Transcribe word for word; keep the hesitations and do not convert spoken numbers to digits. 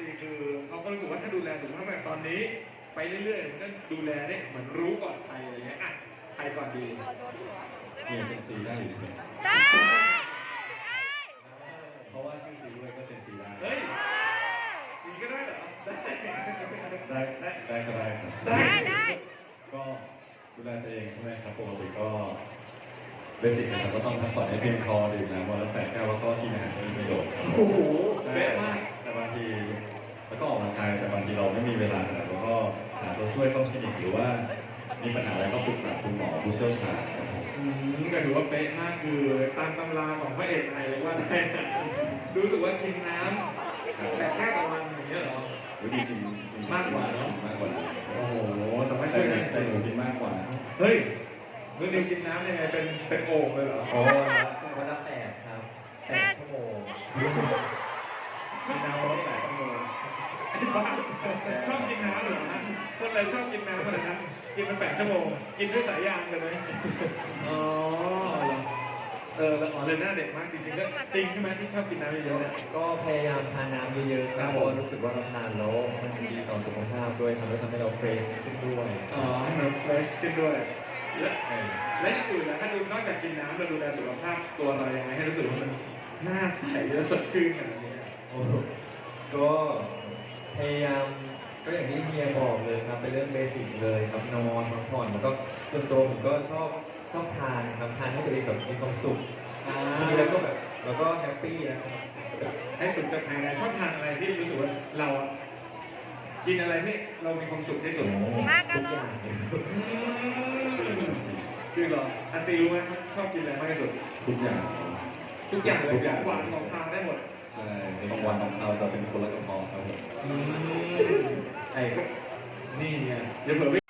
ซีคือเขาก็รู้สึกว่าถ้าดูแลสุขภาพแบบตอนนี้ไปเรื่อยๆมันก็ดูแลได้เหมือนรู้ก่อนใครอะไรเงี้ยอ่ะใครก่อนดีมีเจนซีได้อยู่ใช่ไหมได้เพราะว่าชื่อซีด้วยก็เจนซีได้เฮ้ยดีก็ได้เหรอได้ได้ได้ได้ก็ได้ครับได้ได้ได้ก็ดูแลตัวเองใช่ไหมครับปกติก็เบสิกนะครับก็ต้องพักผ่อนให้เพียงพอดื่มน้ำวันละแปดแก้วแล้วก็กินอาหารที่มีประโยชน์ครับโอ้โหใช่เป๊ะมากแต่บางทีแล้วก็ออกกำลังกายแต่บางทีเราไม่มีเวลาแล้วก็หาตัวช่วยเข้าคลินิกหรือว่ามีปัญหาอะไรก็ปรึกษาคุณหมอผู้เชี่ยวชาญครับผมอืมก็ถือว่าเป๊ะมากคือตามตำราของพระเอกไทยเลยว่าได้นะรู้สึกว่ากินน้ำแต่แค่ต่อวันอย่างเงี้ยเหรอจริงจริงจริงมากกว่าเนอะมากกว่าโอ้โหสามารถแต่ช่วยได้แต่หนูกินมากกว่าเฮ้ยเมื่อเดียวกินน้ำยังไงเป็นเป็นโอ่งเลยเหรอโอ้วันละแปดครับแปดชั่วโมงกินน้ำวันละแปดชั่วโมงไอ้บ้าชอบกินน้ำเหรอฮะคนอะไรชอบกินน้ำขนาดนั้นกินเป็นแปดชั่วโมงกินด้วยสายยางเลยไหมอ๋อเหรอเออแล้วอ๋อเลยหน้าเด็กมากจริงๆก็จริงใช่ไหมที่ชอบกินน้ำเยอะๆเนี่ยก็พยายามทานน้ำเยอะๆครับเพราะว่ารู้สึกว่าเราทานแล้วมันดีต่อสุขภาพด้วยทำให้ทำให้เราเฟรชขึ้นด้วยอ๋อให้มันเฟรชขึ้นด้วยและและอย่างอื่นนะถ้าดูนอกจากกินน้ำเราดูแลสุขภาพตัวเรายังไงให้รู้สึกว่ามันหน้าใสและสดชื่นขนาดนี้โอ้ก็พยายามก็อย่างที่เฮียบอกเลยครับเป็นเรื่องเบสิกเลยครับนอนพักผ่อนแล้วก็ส่วนตัวผมก็ชอบชอบทานครับทานให้ตัวเองแบบมีความสุขอ่าแล้วก็แบบแล้วก็แฮปปี้นะครับให้สุดจากภายในชอบทานอะไรที่รู้สึกว่าเราอะกินอะไรที่เรามีความสุขที่สุดมากกันทุกเลอย ย่างเลยครับคือเหรออาซีรู้ไหมครับชอบกินอะไรมากที่สุดทุกอย่างทุกอย่างเลยทุกอย่างหวานของทานได้หมดใช่ของหวานของคาวจะเป็นคนละกระเพาะครับผมไอ้นี่ไงเดี๋ยวเผื่อ